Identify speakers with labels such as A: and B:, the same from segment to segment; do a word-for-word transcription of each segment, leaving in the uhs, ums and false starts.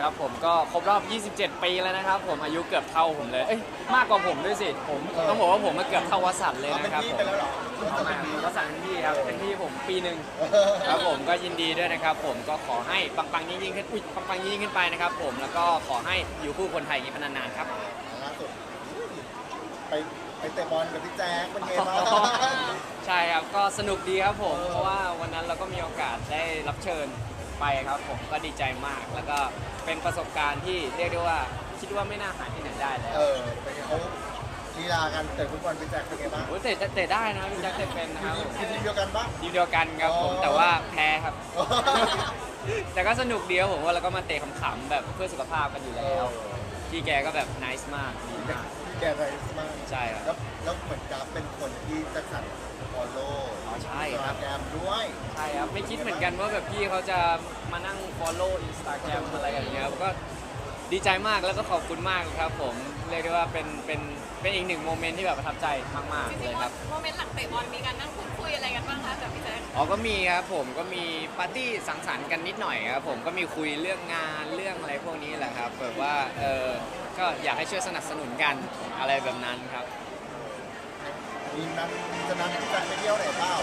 A: ครับผมก็ครบรอบ ยี่สิบเจ็ด ปีแล้วนะครับผมอายุเกือบเท่าผมเลยเอ้ยมากกว่าผมด้วยสิผมต้องบอกว่าผมมาเกือบเท่าวสันต์เลย
B: เอาเป็น
A: นะครับ
B: พี่
A: ผม
B: ไปแล้วเหรอ
A: วสันต์เป็นพี่ครับเป็นพี่ผมปีหนึ่งครับผมก็ยินดีด้วยนะครับผมก็ขอให้ปังๆยิ่งๆขึ้นอุ้ยปังๆยิ่งๆขึ้นไปนะครับผมแล้วก็ขอให้อยู่คู่คนไทยอย่างนี้เป็นนานๆครับ
B: ล่าสุดไปไปเตะบอลกับพี่แจ๊คเป็นไงบ้าง
A: ใช่ครับก็สนุกดีครับผม
B: เออ
A: เพราะว่าวันนั้นเราก็มีโอกาสได้รับเชิญไปครับผมก็ดีใจมาก แล้วก็เป็นประสบการณ์ที่เรียกได้ว่าคิดว่าไม่น่าหาที่ไหนได้แล้ว
B: เออเป็นไงเขาลีลากันเตะฟุตบอลพี่แจ๊คเป็นไงบ้าง
A: โอ้ยเตะเตะได้นะพี่แจ็คเตะเป็นนะครับ
B: ทีมทีมเดียวกันปะ
A: ทีมเดียวกันครับผม
B: อ๋อ
A: แต่ว่าแพ้ครับ แต่ก็สนุกดีครับผมว่าเราก็มาเตะขำๆแบบเพื่อสุขภาพกันอยู่แล้ว พี่แกก็แบบนิสมากดีมาก
B: แกไรมาก
A: ใช่ครับ
B: แล้วแล้วเหมือนกับเป็นคนที่จะสั่งฟอลโล่
A: อ๋อใช่ครับ
B: แกรมด้วย
A: ใช่ครับไม่คิดเหมือนกันว่าแบบพี่เขาจะมานั่ง follow Instagram อะไรอย่างเงี้ยก็ดีใจมากแล้วก็ขอบคุณมากครับผมเรียกได้ว่าเป็นเป็นเป็นอีกหนึ่งโมเมนต์ที่แบบประทับใจมากๆเลยครับ
C: โมเมนต์หลังเตะบอลมีการนั่งพูดคุยอะไรกันบ้างคะกับพี่แจ๊ค
A: อ๋อก็มีครับผมก็มีปาร์ตี้สังสรรค์กันนิดหน่อยครับผมก็มีคุยเรื่องงานเรื่องอะไรพวกนี้แหละครับแบบว่าเออก็อยากให้ช่วยสนับสนุนกันอะไรแบบนั้นครับ
B: มีนัดจะนัดพี่แจ๊คไปเที่ยวไหนเปล่าร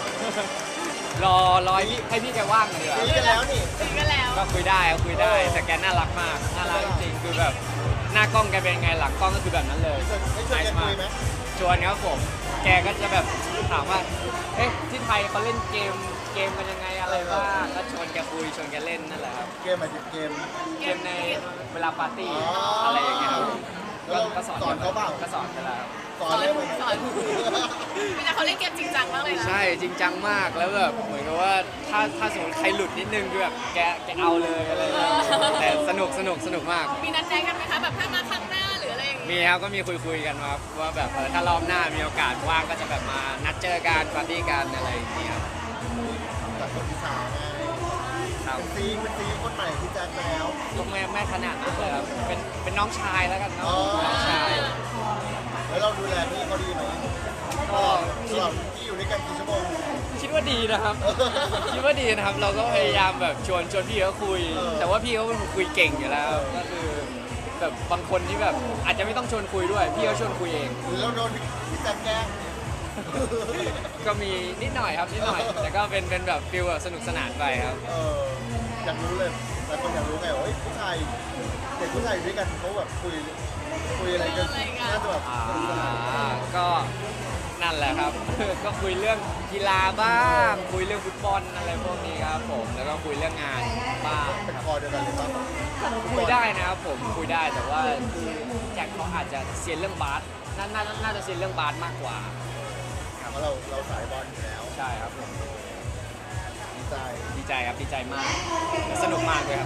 A: อรอให้พี่ให้พี่แกว่างเลย
B: คุยกันแล้วนี่
C: คุยกันแล้ว
A: ก็คุยได้ครับคุยได้
B: เออ
A: แต่แกน่ารักมากน่ารักจริงๆคือแบบหน้ากล้องแกเป็นไงหลังกล้องก็คือแบบนั้นเลย
B: ไม่ชวนไม่ชวนแกคุยไหม
A: ชวนครับผม แกก็จะแบบถามว่า เอ๊ะที่ไทยเขาเล่นเกมเกมกันยังไงอะไรบ้างก็ชวนแกคุยชวนแกเล่นนั่นแหละครับ
B: เกมหมายถึงเกม
A: เกมในเวลาปาร์ตี้
B: อ๋ออ
A: อะไรอย่างเงี้ยครับ
B: แล้วเรา
A: ก็สอน
B: สอนเขาเปล่า
A: ก็สอนไปแล้วครับ
B: สอนเลยไหม
C: สอนพี่แจ๊คเขาเล่นเกมจริงจังมากเลยนะ
A: ใช่จริงจังมากแล้วแบบเหมือนกับว่าถ้าถ้าสมมติใครหลุดนิดนึงคือแบบแกแกเอาเลยอะไรอย่างเงี้ยแต่สนุกสนุกสนุกมาก
C: มีนัดแนะกันไหมคะแบบถ้ามาครั้งหน้าหรืออะไรอย่าง
A: มี
C: เงี้ย
A: ครับก็มีคุยคุยๆกันครับว่าแบบเออถ้ารอบหน้ามีโอกาสว่างก็จะแบบมานัดเจอกันปาร์ตี้กันอะไรอย่างเงี้ยครับ
B: จากคนที่สามไง
A: ครับ
B: เป็นซีเป็นซีคนใหม่พี่แจ๊คไปแล้ว
A: ก็ไม่ไม่ขนาดนั้นเลยครับเป็นเป็นน้องชายแล้วกันเนาะ
B: อ๋อ
A: น้องชาย
B: แล้วเราดูแลพี่เขาดีไหม
A: ก็
B: ต
A: คิด
B: ลอดที่อยู่ด้วยกันกี่ชั่วโมง
A: คิดว่าดีนะครับ คิดว่าดีนะครับ เราก็พยายามแบบชวนชวนพี่เขาคุย
B: เออ
A: แต่ว่าพี่เขาเป็นคนคุยเก่งอยู่แล้ว ก็คือแบบบางคนที่แบบอาจจะไม่ต้องชวนคุยด้วย พี่เขาชวนคุยเอง
B: หรือเราโดนพี่แจ๊คแกล้ง
A: ก็มีนิดหน่อยครับนิดหน่อย แต่ก็เป็นเป็นแบบฟิลแบบสนุกสนานไปครับ
B: เอออยากรู้เลยหลายคนอยากรู้ไงว่าเฮ้ยผู้ชายเด็กผู้ชายอยู่ด้วยกันเขาแบบคุยคุยอะไรกันน่าจะแบบ
A: อ่าก็นั่นแหละครับ ก็คุยเรื่องกีฬาบ้าง คุยเรื่องฟุตบอลอะไรพวกนี้ครับผม แล้วก็คุยเรื่องงานบ้าง
B: เป็น
A: ครับ
B: คอเดียวกันเลยป่ะ
A: คุยได้นะครับผมคุยได้แต่ว่าคือแจ็คเขาอาจจะเซียนเรื่องบาสน่าน่าน่าจะเซียนเรื่องบาสมากกว่า
B: เพราะเราเราสายบอลอยู่แล้ว
A: ใช่ครับผม
B: ดีใจ
A: ดีใจครับดีใจมากสนุกมากเลยครับ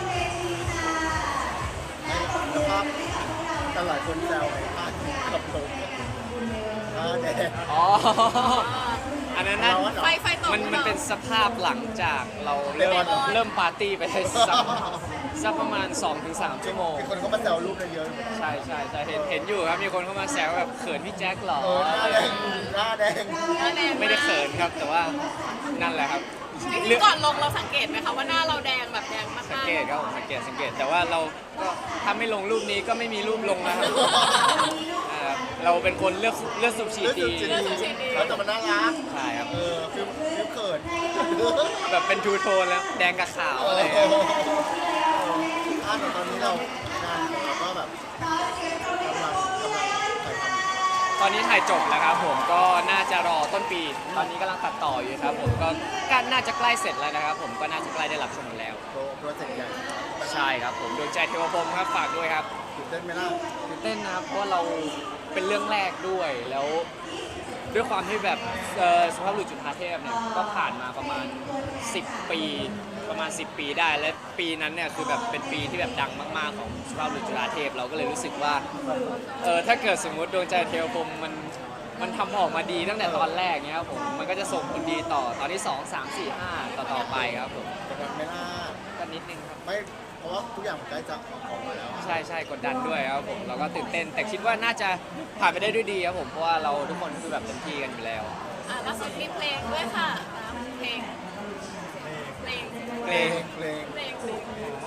B: ให้สภาพแต่หลายคนแซวไงภาพกับลมอ่าแดด
A: อ๋อ อันนั้นน่ะ
C: ไฟไฟตก
A: มันมันเป็นสภาพหลังจากเราเริ่ม
B: เตะบอลเหรอ
A: เริ่มปาร์ตี้ไปได้สักสักประมาณ สองถึงสาม ชั่วโมง
B: มีคนเขามาแซวรูปกันเยอะ
A: ใช่ใช่ใช่เห็นเห็นอยู่ครับมีคนเข้ามาแซวแบบเขินพี่แจ็คเหรอ
B: เออหน้าแดงหน้าแดง
C: หน้าแดง
A: ไม่ได้เขินครับแต่ว่านั่นแหละครับ
C: จริงๆก่อนลงเราสังเกตไหมคะว่าหน้าเราแดงแบบแดงมาก
A: สัง
C: ๆ
A: เกตครับผมสังเกตสังเกตแต่ว่าเราก็ถ้าไม่ลงรูปนี้ก็ไม่มีรูปลงนะครับอ่าเราเป็นคนเลือกเลือกสุบชีดี
B: เลือกสุบชีดี เขาแต่มันน่ารัก
A: ใช่ครับ
B: เออฟิลฟิลเขิน
A: แบบเป็นทูโทนแล้วแดงกับขาว
B: เอ
A: อะไร
B: อ
A: อย่างเงี้ย
B: อ่าแต่ตอนนี้เรางานของเราก็แบบกำลังกำลังถ่ายทำ
A: ตอนนี้ถ่ายจบแล้วครับผมก็น่าจะรอต้นปี ตอนนี้กำลังตัดต่ออยู่ครับผมก็ก็น่าจะใกล้เสร็จแล้วนะครับผมก็น่าจะใกล้ได้รับชมแล้ว
B: โปรโปรเจกต์ใหญ่
A: ใช่ครับผมดวงใจเทวพรหมครับฝากด้วยครับ
B: ตื่นเต้นไหมล่ะ
A: ตื่นเต้นนะครับเพราะว่าเราเป็นเรื่องแรกด้วยแล้วด้วยความที่แบบเอ่อสุภาพบุรุษจุฑาเทพเนี่ยก็ผ่านมาประมาณ สิบ ปีประมาณ สิบ ปีได้และปีนั้นเนี่ยคือแบบเป็นปีที่แบบดังมากๆของสุภาพบุรุษจุฬาเทพเราก็เลยรู้สึกว่าเออถ้าเกิดสมมุติดวงใจเทวพรหมมันมันทำออกมาดีตั้งแต่ตอนแรกเนี้ยครับผมมันก็จะส่งผลดีต่อตอนที่สอง สาม สี่ ห้าต่อต่อไปครับผม
B: จะแบบไม่ล่า
A: ก็นิดนึงครับ
B: ไม่เพราะว่าทุกอย่างมันใกล้จะออกมาแล้ว
A: ใช่ใช่กดดันด้วยครับผมเราก็ตื่นเต้น แต่คิดว่าน่าจะผ่านไปได้ด้วยดีครับผมเพราะว่าเราทุกคนคือแบบเต็มที่กันอยู่แล้ว
C: อ่ะล่าสุดมีเพลงด้วยค่ะเพลงเพลง
A: เพลง
B: เพลงเพลง
C: เพลงเพลง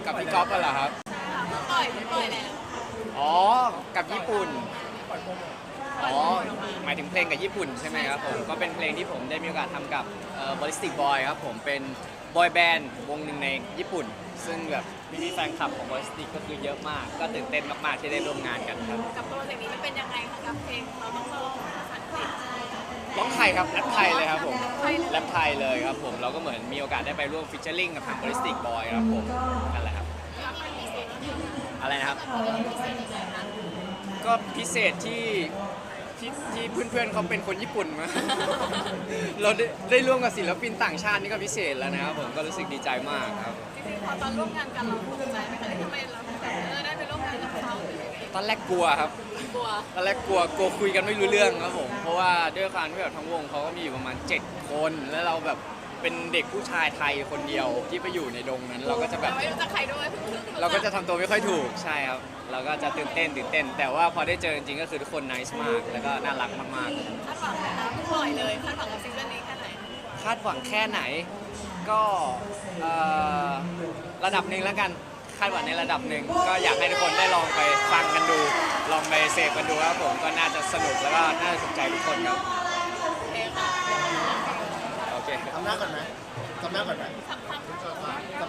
A: กับพี่ก๊อฟกันเหรอครับ
C: เพิ่งปล่อยเพิ่งปล่อยแล้ว
A: อ๋อ กับญี่ปุ่น อ๋อ หมายถึงเพลงกับญี่ปุ่นใช่ไหมครับผม ก็เป็นเพลงที่ผมได้มีโอกาสทำกับบริสติกบอยครับผมเป็นบอยแบนด์วงหนึ่งในญี่ปุ่น ซึ่งแบบมีแฟนคลับของบริสติกก็คือเยอะมาก ก็ตื่นเต้นมากๆที่ได้ร่วมงานกันครับ
C: กับโปรเจกต์นี้มันเป็นยังไงคะกับเพลงเราต้องร้องภาษาอังกฤษ
A: ร้องไทยครับแรปไทยเลยครับผม
C: ไทยเลย
A: แรปไทยเลยครับผมเราก็เหมือนมีโอกาสได้ไปร่วมฟิชเชอร์ลิงกับทางบริสติกบอยครับผมนั่นแหละครับ
C: รับเป็นพิเศษยังไงคะ
A: อะไรนะครับ
C: พิเศษยังไงคะ
A: ก็พิเศษที่ที่ที่เพื่อนๆเขาเป็นคนญี่ปุ่นมา เราได้ได้ร่วมกับศิลปินต่างชาตินี่ก็พิเศษแล้วนะครับผมก็รู้สึกดีใจมากครับ
C: จริงๆพอตอนร่วมงานกันเราภูมิใจไหมคะที่ทำไมเราแบบเออได้ไปร่วมงานกับเขาหรือยังไง
A: ตอนแรกกลัวครับ
C: กลัว
A: ตอนแรกกลัวกลัวคุยกันไม่รู้เรื่องครับผม เพราะว่าด้วยความที่แบบทั้งวงเขาก็มีอยู่ประมาณเจ็ดคน แล้วเราแบบเป็นเด็กผู้ชายไทยคนเดียวที่ไปอยู่ในดงนั้น เราก็จะแบบ
C: ไม่รู้จักใครด้วยเพิ่งรู้จั
A: เราก็จะทำตัวไม่ค่อยถูกใช่ครับ เราก็จะตื่นเต้นตื่นเต้น แต่ว่าพอได้เจอจริงๆก็คือทุกคนน่ารักมาก แล้วก็น่ารักมาก
C: คาดหวังนะคะเพิ่งปล่อยเลยคาดหวังกับซิงเกิลนี้แค่ไหน
A: ๆ คาดหวังแค่ไหนก็เอ่อระดับหนึ่งแล้วกันคาดหวังในระดับหนึ่งก็อยากให้ทุกคนได้ลองไปฟังกันดู ลองไปเสพกันดูครับผมก็น่าจะสนุกแล้วก็น่าจะถูกใจทุกคนครับ
C: โอเคค่ะ
A: โอเค
B: ทำหน้าก่อนไหมทำหน้าก่อนไหม
C: ทำทำ